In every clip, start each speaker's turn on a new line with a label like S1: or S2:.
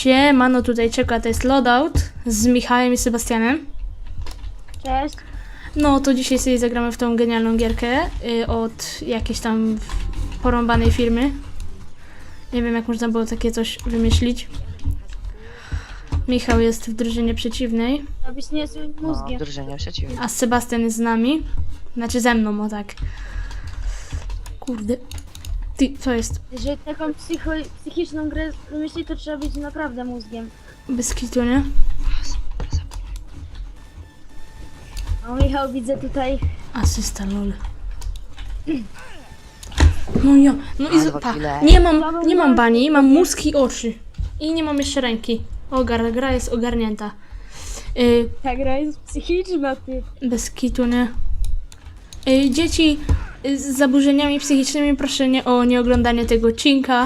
S1: Siemano, tutaj czeka, to jest Loadout z Michałem i Sebastianem.
S2: Cześć.
S1: No to dzisiaj sobie zagramy w tą genialną gierkę od jakiejś tam porąbanej firmy. Nie wiem, jak można było takie coś wymyślić. Michał jest w drużynie przeciwnej,
S2: Robisz niezłym mózgiem.
S3: Drużynie przeciwnej.
S1: a Sebastian jest z nami. Znaczy ze mną, o tak. Kurde. Ty, co jest?
S2: Jeżeli taką psychiczną grę wymyślić, to trzeba być naprawdę mózgiem.
S1: Bez kitu, nie?
S2: O, Michał, widzę tutaj.
S1: Asysta, lol. No ja, no i
S3: Dwa
S1: pa,
S3: kile.
S1: nie mam bani, mam mózg i oczy. I nie mam jeszcze ręki. Gra jest ogarnięta.
S2: Ta gra jest psychiczna, ty.
S1: Bez kitu, nie? Dzieci z zaburzeniami psychicznymi, proszę nie oglądanie tego odcinka.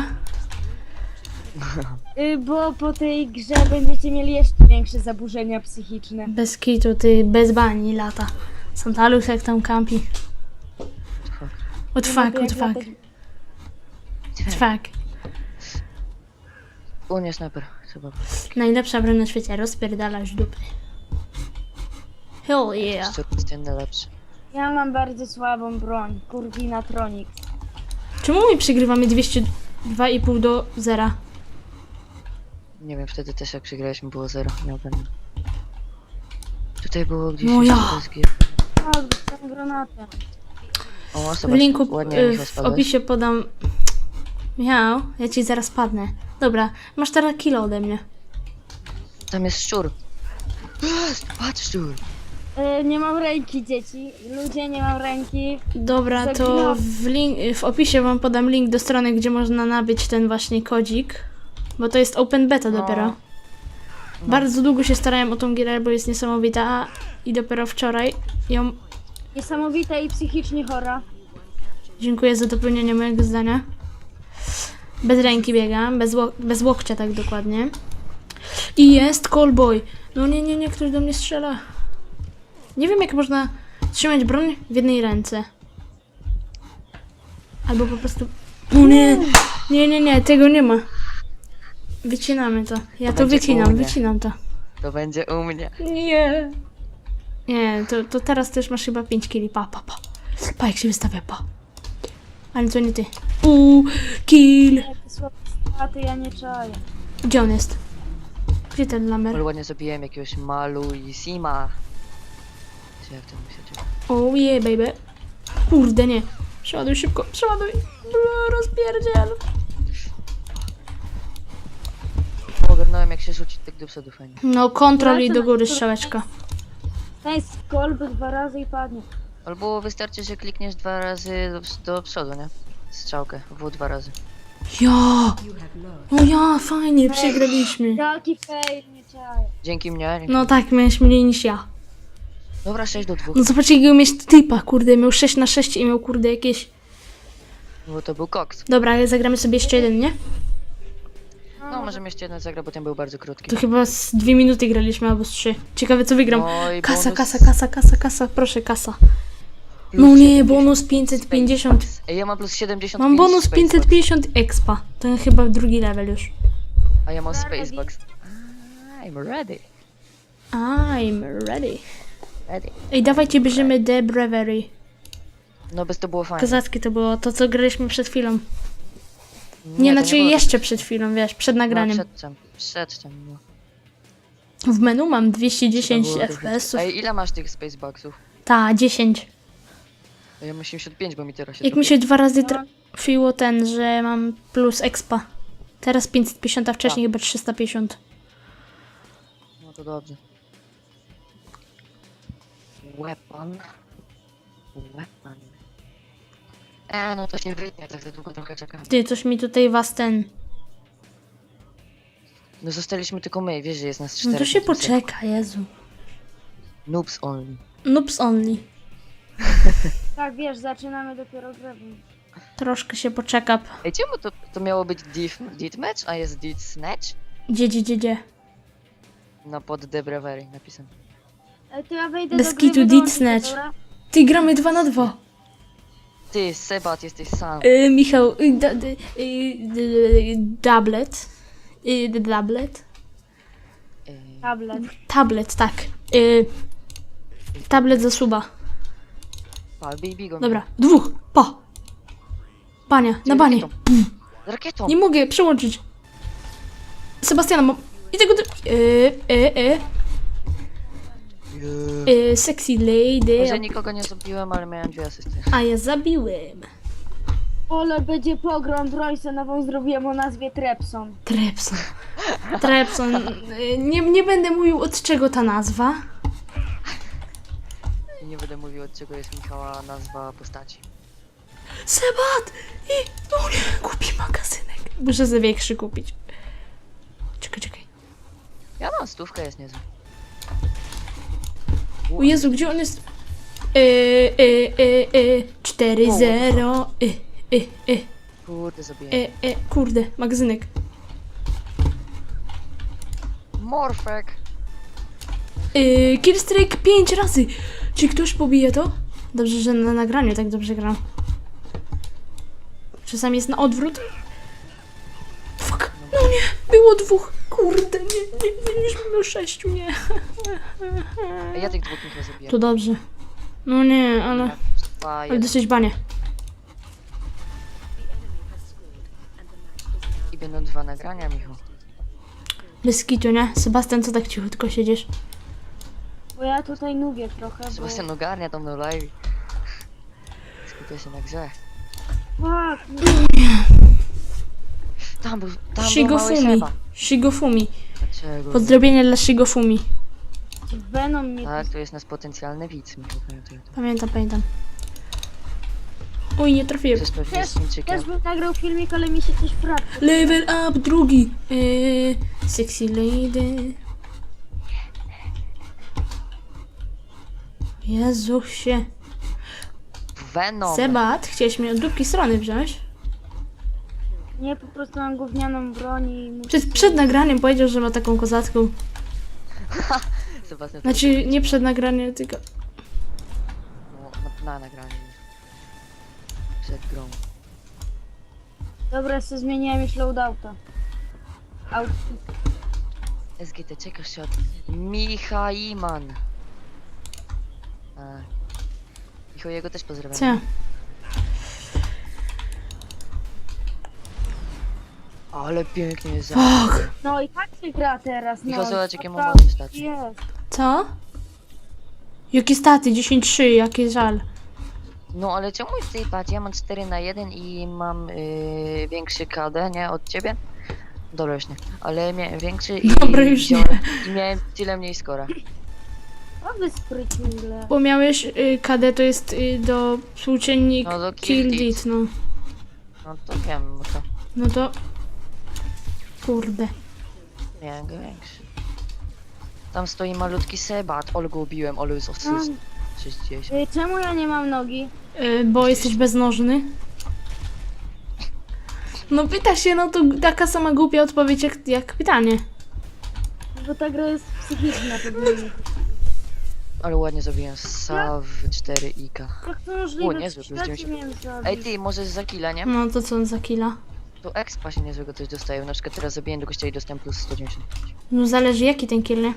S2: Bo po tej grze będziecie mieli jeszcze większe zaburzenia psychiczne.
S1: Bez kitu, ty, bez bani lata. Santalus jak tam campi. What fuck.
S3: U nie sniper. Chyba.
S1: Najlepsza broń na świecie, rozpierdalasz dupy. Hell yeah.
S3: Szczur jest ten najlepszy.
S2: Ja mam bardzo słabą broń. Kurwinatronics.
S1: Czemu my przegrywamy 202,5 do 0?
S3: Nie wiem, wtedy też jak przegraliśmy było 0. Nie ogarnę. Tutaj było gdzieś
S1: No ja.
S3: SG.
S2: O, dostałem granatę.
S3: O,
S1: W
S3: zobacz,
S1: linku
S3: ładnie Michał
S1: w
S3: spadłeś.
S1: opisie podam... Michał, ja ci zaraz padnę. Dobra, masz teraz kilo ode mnie.
S3: Tam jest szczur. Patrz szczur.
S2: Nie mam ręki, dzieci. Ludzie, nie mam ręki.
S1: Dobra, to w opisie wam podam link do strony, gdzie można nabyć ten właśnie kodzik. Bo to jest open beta dopiero. Bardzo długo się starałem o tą gierę, bo jest niesamowita. I dopiero wczoraj ją...
S2: Niesamowita i psychicznie chora.
S1: Dziękuję za dopełnienie mojego zdania. Bez ręki biegam, bez łokcia tak dokładnie. I jest callboy. No nie, ktoś do mnie strzela. Nie wiem, jak można trzymać broń w jednej ręce. Albo po prostu... O nie, tego nie ma. Wycinamy to. Ja to
S3: Będzie u mnie.
S1: wycinam to.
S3: To będzie u mnie.
S1: Nie. Nie, to teraz też masz chyba 5 kili. Pa. Pa, jak się wystawia, pa. Ale to nie ty. Kill.
S2: Jakie słabe straty, ja nie czaję.
S1: Gdzie on jest? Gdzie ten lamer?
S3: Ale ładnie zabiłem jakiegoś Malu i Sima. Czy jak to mu się dzieje?
S1: Oh yeah, baby. Kurde, nie. Przeładuj szybko, przeładuj. Rozpierdziel.
S3: Ogarnąłem jak się rzucić tak do przodu fajnie.
S1: No, kontrol i do góry strzałeczka.
S2: Ten jest kolby 2 razy i padnie.
S3: Albo wystarczy, że klikniesz 2 razy do przodu, nie? Strzałkę, W 2 razy.
S1: Ja! No ja, fajnie, przegraliśmy.
S2: Jaki fail, nie czaję.
S3: Dzięki mnie.
S1: No tak, miałeś mniej niż ja.
S3: Dobra, 6 do 2.
S1: No zobaczcie, jakiego mieć typa, kurde, miał 6 na 6 i miał, kurde, jakieś...
S3: Bo to był koks.
S1: Dobra, zagramy sobie jeszcze jeden, nie?
S3: No, możemy jeszcze jeden zagrać, bo ten był bardzo krótki.
S1: To chyba z 2 minuty graliśmy, albo z 3. Ciekawe, co wygram.
S3: No i
S1: Kasa,
S3: bonus-
S1: kasa, proszę, kasa.
S3: Plus
S1: No nie,
S3: 70
S1: bonus 550.
S3: Ej, ja mam plus 75.
S1: Mam bonus
S3: Spacebox.
S1: 550 expa. To chyba drugi level już.
S3: A ja mam Spacebox. I'm ready.
S1: I'm ready.
S3: Ready.
S1: Ej, dawajcie, bierzemy The Brewery.
S3: No bez to było fajne.
S1: Kozackie to było, to co graliśmy przed chwilą.
S3: to
S1: Nie, znaczy
S3: było
S1: jeszcze przed chwilą, wiesz, przed
S3: No,
S1: nagraniem.
S3: przedtem, no.
S1: W menu mam
S3: To
S1: 210
S3: było
S1: FPS-ów.
S3: Ej, ile masz tych Spaceboxów?
S1: Ta, 10.
S3: Ja mam 75, bo mi teraz się
S1: Jak mi się 2 razy trafiło ten, że mam plus expa. Teraz 550, a wcześniej chyba 350.
S3: No to dobrze. Weapon. No to się wytnie, tak za długo trochę czekam.
S1: Ty, coś mi tutaj was ten...
S3: No zostaliśmy tylko my, wiesz, że jest nas 4.
S1: No to się poczeka, Jezu.
S3: Noobs only.
S1: Noobs only.
S2: Tak, wiesz, zaczynamy dopiero grę.
S1: Troszkę się poczeka.
S3: Ej, czemu to miało być Deathmatch, a jest Death Snatch?
S1: Gdzie?
S3: No pod The Brewery napisane.
S2: To ja wejdę
S1: Bez
S2: do gry,
S1: kitu,
S2: wyłączę
S1: Dead
S2: się,
S1: Snatch.
S2: dobra?
S1: Ty, gramy 2 na 2.
S3: Ty, Sebat, jesteś sam.
S1: Michał, doublet. Tablet?
S2: Tablet.
S1: Tablet, tak. Tablet za suba.
S3: Pa, baby go.
S1: Dobra, 2, pa! Bania, na banie.
S3: Z rakietą.
S1: Nie mogę przełączyć. Sebastiana, mam... I tego... Sexy lady.
S3: Może nikogo nie zabiłem, ale miałem 2 asysty.
S1: A ja zabiłem.
S2: Ole, będzie pogrom, Royce nową zrobiłem o nazwie Trepson.
S1: Trepson. Trepson. Nie będę mówił od czego ta nazwa.
S3: I nie będę mówił, od czego jest Michała nazwa postaci.
S1: Sebat! I... O nie, kupi magazynek. Muszę sobie większy kupić. Czekaj.
S3: Ja mam 100, jest niezły.
S1: O Jezu, gdzie on jest? 4-0.
S3: Kurde, zabiję.
S1: Kurde, magazynek.
S3: Morfek!
S1: Killstrike 5 razy. Czy ktoś pobije to? Dobrze, że na nagraniu tak dobrze gram. Czasami jest na odwrót. Fuck. No nie, było 2. Kurde, nie, już było 6, nie.
S3: Ej, ja tych 2 Michał zabiję.
S1: To dobrze. No nie, ale
S3: 2,
S1: ale
S3: 1.
S1: dosyć banie.
S3: I będą 2 nagrania, Michał.
S1: Bez kitu, nie? Sebastian, co tak cichutko siedzisz?
S2: Bo ja tutaj nubię trochę, bo...
S3: Sebastian ogarnia tam na live. Skupia się na grze.
S2: Fuck,
S3: Tam był mały
S1: Shigofumi.
S3: Seba.
S1: Shigofumi.
S3: Dlaczego?
S1: Pozdrowienia dla Shigofumi.
S2: Venom mnie...
S3: Tak, to jest nasz potencjalny widz, Michał.
S1: Pamiętam. Oj, nie trafiłem.
S3: To jest pewnie
S2: Też,
S3: z Chińczykiem.
S2: też bym nagrał filmik, ale mi się coś wraca.
S1: Level up, 2. Sexy lady. Jezusie.
S3: Venom.
S1: Sebat, chciałeś mnie od drugiej strony wziąć?
S2: Nie, po prostu mam gównianą broń i... muszę
S1: Przed nagraniem powiedział, że ma taką kozacką.
S3: Sebastian,
S1: Znaczy, nie przed nagraniem, tylko...
S3: No, na nagraniu. Przed grą.
S2: Dobra, sobie zmieniłem już loadouta.
S3: SGT, czekasz się od Michaiman. Michał, jego też pozdrawiam.
S1: Co?
S3: Ale pięknie jest.
S1: Fuck.
S2: No i tak się gra teraz, no.
S3: Michał, zobacz, jakie mam
S2: Naprawdę
S3: ładne staty.
S2: Jest.
S1: Co? Jakie staty? 10-3, jaki żal.
S3: No ale czemu ty patrz, ja mam 4 na 1 i mam większy KD, nie, od ciebie? Dobra, już nie. Ale miałem większy i
S1: Dobra, już nie.
S3: i miałem tyle mniej skora.
S2: O, wy sprytnigle.
S1: Bo miałeś KD, to jest do współczynnik
S3: No, do
S1: kill
S3: kill
S1: dit, no.
S3: No to wiem, no to
S1: No to... Kurde.
S3: miałem go większy. Tam stoi malutki Sebat, ale go ubiłem, ale z asyst. 60.
S2: Czemu ja nie mam nogi?
S1: Bo jesteś beznożny. No pyta się, no to taka sama głupia odpowiedź jak pytanie.
S2: Bo ta gra jest psychiczna pewnie.
S3: Ale ładnie zrobiłem Sav 4 Ika.
S2: Jak to możliwe?
S3: O, niezły,
S2: W
S3: plus
S2: świecie
S3: 90.
S2: miałem zabić.
S3: Ej ty, możesz za killa, nie?
S1: No to co za killa?
S3: To expa się niezłego coś dostaje. Na przykład teraz zabiłem do gościa i dostałem plus 190.
S1: No zależy jaki ten kill, nie?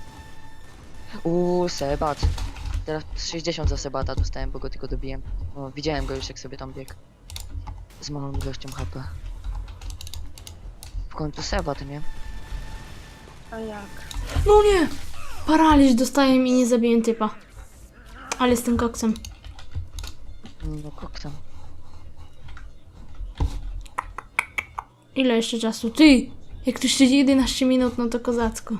S3: Sebat. Teraz 60 za Sebata dostałem, bo go tylko dobiłem. No, widziałem go już jak sobie tam biegł. Z małą ilością HP. W końcu Sebat, nie?
S2: A jak?
S1: No nie! Paraliż dostaję i nie zabiję typa. Ale z tym koksem.
S3: No koktam.
S1: Ile jeszcze czasu? Ty! Jak tu siedzi 11 minut, no to kozacko.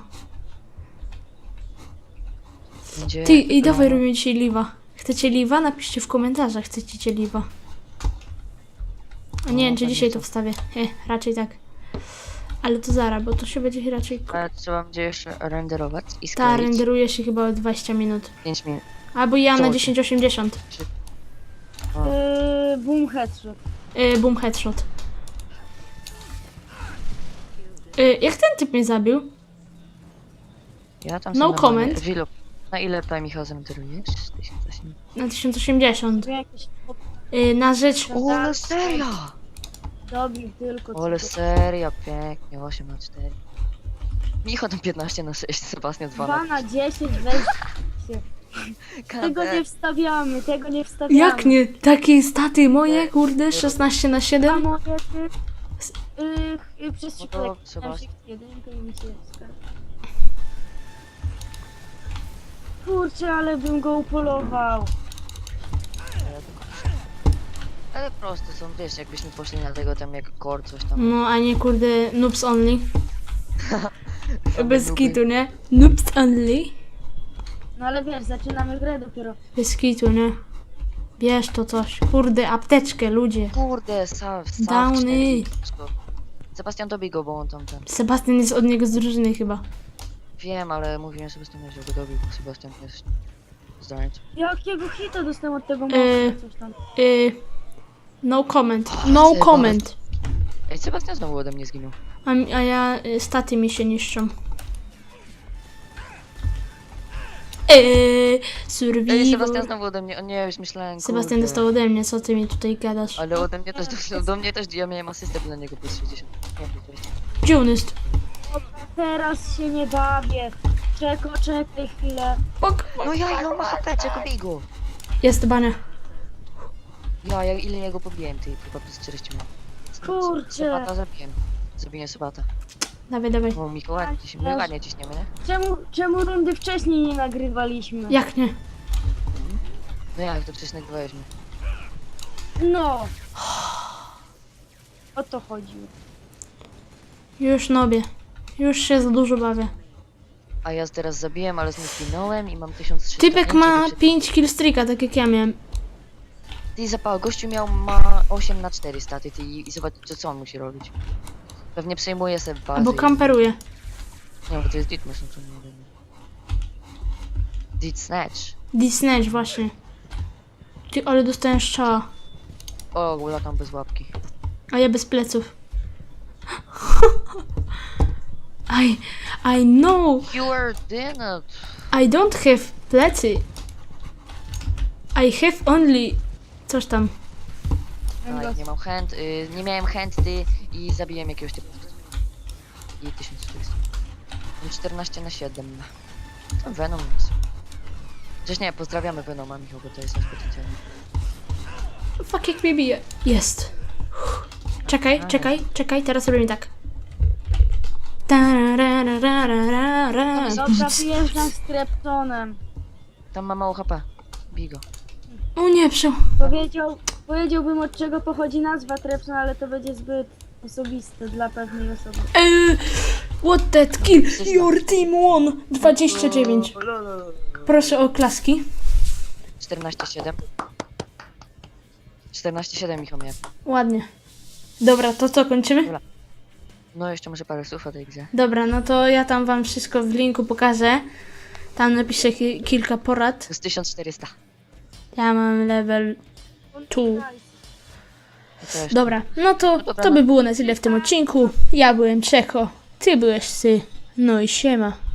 S3: Będzie...
S1: Ty, i dawaj robimy dzisiaj live'a. Chcecie live'a? Napiszcie w komentarzach, chcecie live'a. A nie wiem, czy
S3: pewnie
S1: dzisiaj
S3: co.
S1: to wstawię. Raczej tak. Ale to zaraz, bo to się będzie raczej...
S3: Ale trzeba będzie jeszcze renderować i
S1: Ta
S3: skleić.
S1: renderuje się chyba o 20 minut.
S3: 5 minut.
S1: Albo ja na
S3: Czemu?
S1: 1080.
S2: Boom headshot.
S1: Boom headshot. Jak ten typ mnie zabił?
S3: Ja tam
S1: No
S3: sobie normalnie-
S1: comment.
S3: Wilu. Na ile P Michał zrenderujesz? 1080.
S1: Na 1080.
S2: Jakieś...
S1: Na rzecz...
S3: O, no serio!
S2: Dobił tylko
S3: Ale
S2: co.
S3: seria, pięknie, 8 na 4. Michał tam 15 na 6, Sebastian 2
S2: 2
S3: na
S2: na 10, weź się. Tego nie wstawiamy, tego nie wstawiamy.
S1: Jak nie? Takie staty moje, kurde, 16 na
S2: A
S1: 7?
S2: moje ty... przez
S3: No
S2: przypadek.
S3: to trzeba-
S2: Jedynkę i mi się wskazał. Kurczę, ale bym go upolował.
S3: Ale proste są, wiesz, jakbyśmy poszli na tego tam jak core, coś tam.
S1: No, a nie kurde, noobs only.
S3: Same
S1: Bez
S3: nuby.
S1: kitu, nie? Noobs only.
S2: No ale wiesz, zaczynamy grę dopiero.
S1: Bez kitu, nie? Bierz to coś. Kurde, apteczkę, ludzie.
S3: Kurde,
S1: Downy.
S3: Sebastian dobij go, bo on tam ten.
S1: Sebastian jest od niego z drużyny chyba.
S3: Wiem, ale mówiłem Sebastian, że go dobił, bo Sebastian jest zdrajcą.
S2: Jakiego hita dostałem od tego
S1: Yy.
S2: mocno, coś tam.
S1: No comment. No
S3: Seba.
S1: comment.
S3: Ej, Sebastian znowu ode mnie zginął.
S1: A ja, staty mi się niszczą.
S3: Ej, Sebastian
S1: Survival.
S3: znowu ode mnie, o nie, już myślałem,
S1: Sebastian
S3: kurde.
S1: dostał ode mnie, co ty mi tutaj gadasz?
S3: Ale ode mnie też dostał, do mnie też, ja miałem asystę dla niego plus 60. Nie, plus 20.
S1: Gdzie on jest?
S2: Teraz się nie bawię. Czekaj chwilę.
S1: Bok.
S3: No ja, ile on ma HP, czego bij go?
S1: Jest bania.
S3: Ja ile jego pobiłem, ty, chyba plus 40 miałem.
S2: Kurczę.
S3: Sebata zabiłem. Zabiję Sebata.
S1: Dawaj, dawaj.
S3: O, Miko, ładnie ciśniemy, my ładnie ciśniemy, nie?
S2: Czemu rundy wcześniej nie nagrywaliśmy?
S1: Jak nie?
S3: No jak to wcześniej nagrywaliśmy.
S2: No. O to chodziło.
S1: Już nobie. Już się za dużo bawię.
S3: A ja teraz zabiłem, ale znów zginąłem i mam 1300.
S1: Typek ma 5 killstreaka, tak jak ja miałem.
S3: Ty zapał, gościu ma 8 na 4 staty, ty i zobacz co on musi robić. Pewnie przejmuje sobie bazę.
S1: Albo kamperuje.
S3: Nie, bo to jest Ditmus, no to nie wiem. Dit Snatch.
S1: Disney właśnie. Ty, ale dostałem strzała.
S3: O, latam bez łapki.
S1: A ja bez pleców. I know.
S3: You are dinner.
S1: I don't have plecy. I have only... Coś tam.
S3: A, nie mam hand, nie miałem handy i zabiłem jakiegoś typu. I 1400. Mam 14 na 7. To Venom jest. Chociaż nie, pozdrawiamy Venoma, Michał, bo to jest nasz potencjalny.
S1: Fuck, jak mnie bije. Jest. Czekaj, teraz robimy tak. Tararararara.
S2: Dobra, wyjeżdżam z Treptonem.
S3: Tam ma mało HP. Bij go.
S1: O nie,
S2: Powiedziałbym od czego pochodzi nazwa Trepton, ale to będzie zbyt osobiste dla pewnej osoby.
S1: What that kill? Your team won. 29. Proszę o klaski.
S3: 14-7. 14-7 Michał miał.
S1: Ładnie. Dobra, to co, kończymy?
S3: No jeszcze może parę słów o tej grze.
S1: Dobra, no to ja tam wam wszystko w linku pokażę. Tam napiszę kilka porad.
S3: To jest 1400.
S1: Ja mam level 2.
S3: To też.
S1: Dobra, no to by było na tyle w tym odcinku. Ja byłem Czeko, ty byłeś Sy. No i siema.